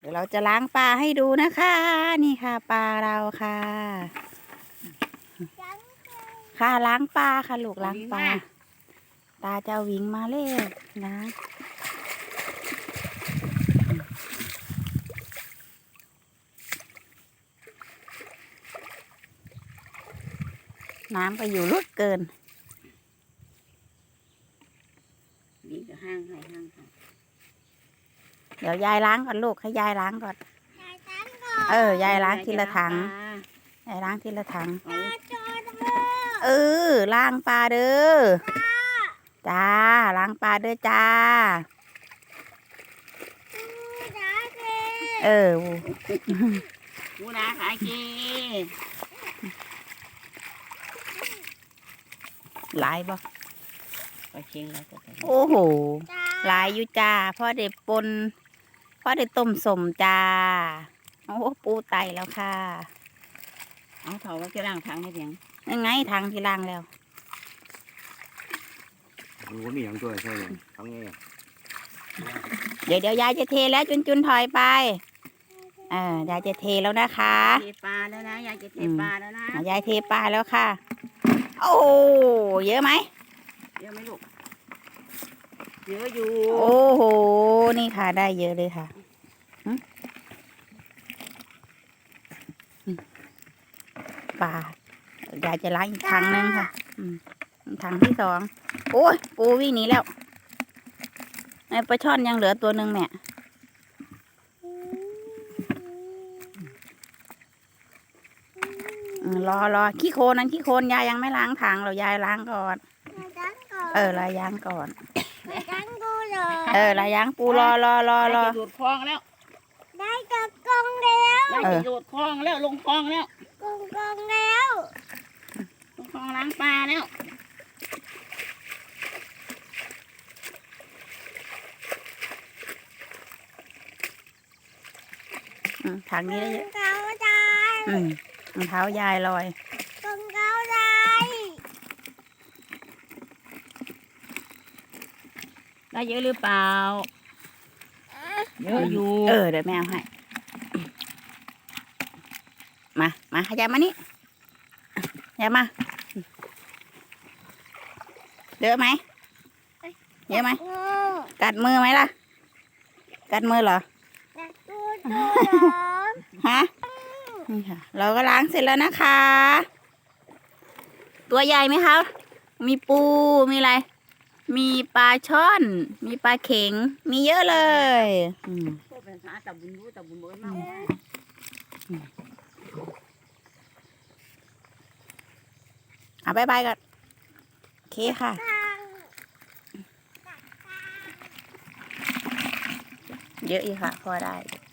เดี๋ยวเราจะล้างปลาให้ดูนะคะ นี่ค่ะปลาเราค่ะค่ะล้างปลาค่ะลูกล้างปลาตาจะวิ่งมาเลยนะน้ำก็อยู่ลึกเกินนี่จะห้างให้ห้างให้เดี๋ยวยายล้างก่อนลูกให้ยายล้างก่อนยายล้างทีละถังยายล้างทีละถังล้างปลาเด้อจ้าล้างปลาเด้อจ้ากูนาขายกีหลายบ่ไปเชียงแล้วก็ไปโอ้โหหลายอยู่จ้าพ่อเด็ดปนพ่อเด็ดต้มสมจ้าโอ้ปูไตแล้วค่ะเอาเถาว่าจะล้างทางให้เพียงยังไงทางที่ล้างแล้วมันก็มีอย่างตัวใช่ไหมทั้งไงเดี๋ยวยายจะเทแล้วจุนถอยไปยายจะเทแล้วนะคะเทปลาแล้วนะยายจะเทปลาแล้วนะยายเทปลาแล้วค่ะโอ้เยอะไหมเยอะไหมลูกเยอะอยู่โอ้โหนี่ค่ะได้เยอะเลยค่ะปลายายจะล้างอีกถังนึงค่ะถังที่สองโอ้ยปูวิ่งหนีแล้วไอ้ปลาช่อนยังเหลือตัวหนึ่งแม่รอขี้โคลนนั้นขี้โคลนยายยังไม่ล้างถังเรายายล้างก่อนลายยางก่อนลายยางปูรอดูดคลองแล้วได้กับกองแล้วได้ดูดคลองแล้วลงคลองแล้วกองแล้วลงคลองล้างปลาแล้วถังนี้ได้เยอะเท้ายายรองเท้ายายลอยกองเท้ายายได้เยอะหรือเปล่าเยอะอยู่เดี๋ยวแม่เอาให้มาขยับมานี่ขยับมาเยอะไหมเยอะไหมกัดมือไหมล่ะกัดมือเหรอฮะนี่ค่ะเราก็ล้างเสร็จแล้วนะคะตัวใหญ่ไหมคะมีปูมีอะไรมีปลาช่อนมีปลาเข็งมีเยอะเลยบ๊ายบายก่อนโอเคค่ะเยอะอีกค่ะพอได้